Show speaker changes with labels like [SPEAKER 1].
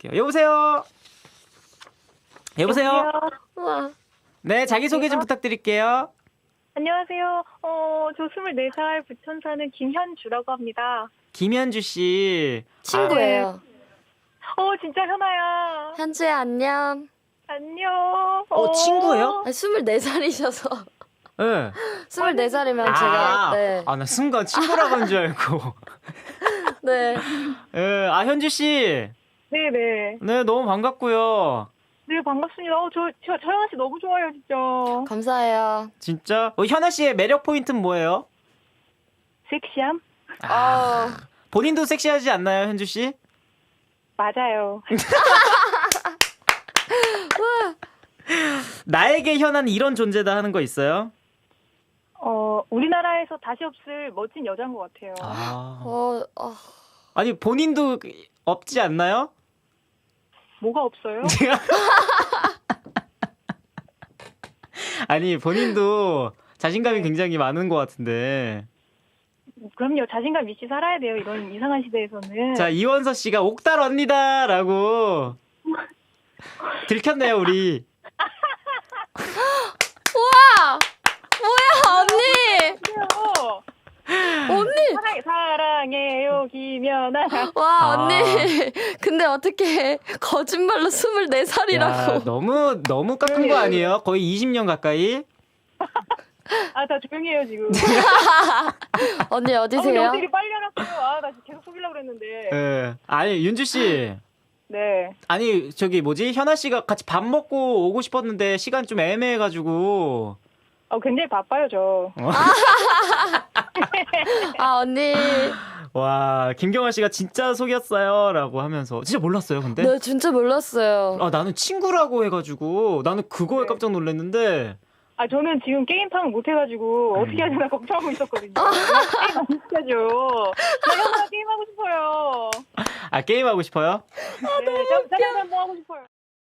[SPEAKER 1] 받아볼게요. 여보세요? 여보세요?
[SPEAKER 2] 우와.
[SPEAKER 1] 네, 자기소개 좀 부탁드릴게요.
[SPEAKER 3] 안녕하세요. 저 24살 부천 사는 김현주라고 합니다.
[SPEAKER 1] 김현주 씨.
[SPEAKER 2] 친구예요.
[SPEAKER 3] 진짜 현아야.
[SPEAKER 2] 현주야, 안녕.
[SPEAKER 3] 안녕.
[SPEAKER 1] 친구예요?
[SPEAKER 2] 24살이셔서.
[SPEAKER 1] 네.
[SPEAKER 2] 24살이면 제가, 네.
[SPEAKER 1] 나 순간 친구라고 한 줄 알고.
[SPEAKER 2] 네.
[SPEAKER 1] 예, 현주 씨.
[SPEAKER 3] 네네.
[SPEAKER 1] 네, 너무 반갑고요.
[SPEAKER 3] 네, 반갑습니다. 저 현아 씨 너무 좋아요, 진짜.
[SPEAKER 2] 감사해요.
[SPEAKER 1] 진짜? 현아 씨의 매력 포인트는 뭐예요?
[SPEAKER 3] 섹시함?
[SPEAKER 1] 본인도 섹시하지 않나요, 현주 씨?
[SPEAKER 3] 맞아요.
[SPEAKER 1] 나에게 현아는 이런 존재다 하는 거 있어요?
[SPEAKER 3] 우리나라에서 다시 없을 멋진 여자인 것 같아요.
[SPEAKER 1] 아니, 본인도 없지 않나요?
[SPEAKER 3] 뭐가 없어요?
[SPEAKER 1] 아니, 본인도 자신감이 굉장히 많은 것 같은데.
[SPEAKER 3] 그럼요. 자신감 있이 살아야 돼요. 이런 이상한 시대에서는.
[SPEAKER 1] 자, 이원서 씨가 옥달 언니다라고 들켰네요, 우리.
[SPEAKER 2] 우와! 뭐야, 언니!
[SPEAKER 3] 그래요.
[SPEAKER 2] 언니!
[SPEAKER 3] 사랑해요, 김연아.
[SPEAKER 2] 와, 언니. 근데 어떻게 거짓말로 24살이라고.
[SPEAKER 1] 야, 너무 깎은 거 아니에요? 거의 20년 가까이?
[SPEAKER 3] 다 조용히 해요, 지금.
[SPEAKER 2] 언니 어디세요?
[SPEAKER 3] 어떻게 빨리 알았어요? 나 계속 속이려고 그랬는데.
[SPEAKER 1] 예. 아니, 윤주 씨.
[SPEAKER 3] 네.
[SPEAKER 1] 아니, 현아 씨가 같이 밥 먹고 오고 싶었는데 시간 좀 애매해가지고.
[SPEAKER 3] 굉장히 바빠요, 저.
[SPEAKER 2] 언니.
[SPEAKER 1] 와, 김경아 씨가 진짜 속였어요. 라고 하면서. 진짜 몰랐어요, 근데?
[SPEAKER 2] 네, 진짜 몰랐어요.
[SPEAKER 1] 나는 친구라고 해가지고. 나는 그거에
[SPEAKER 3] 네.
[SPEAKER 1] 깜짝 놀랐는데.
[SPEAKER 3] 저는 지금 게임팡 못해가지고 어떻게 해야 되나 걱정하고 있었거든요. 게임 안 시켜줘. 나 형아 게임하고 싶어요.
[SPEAKER 1] 게임하고 싶어요?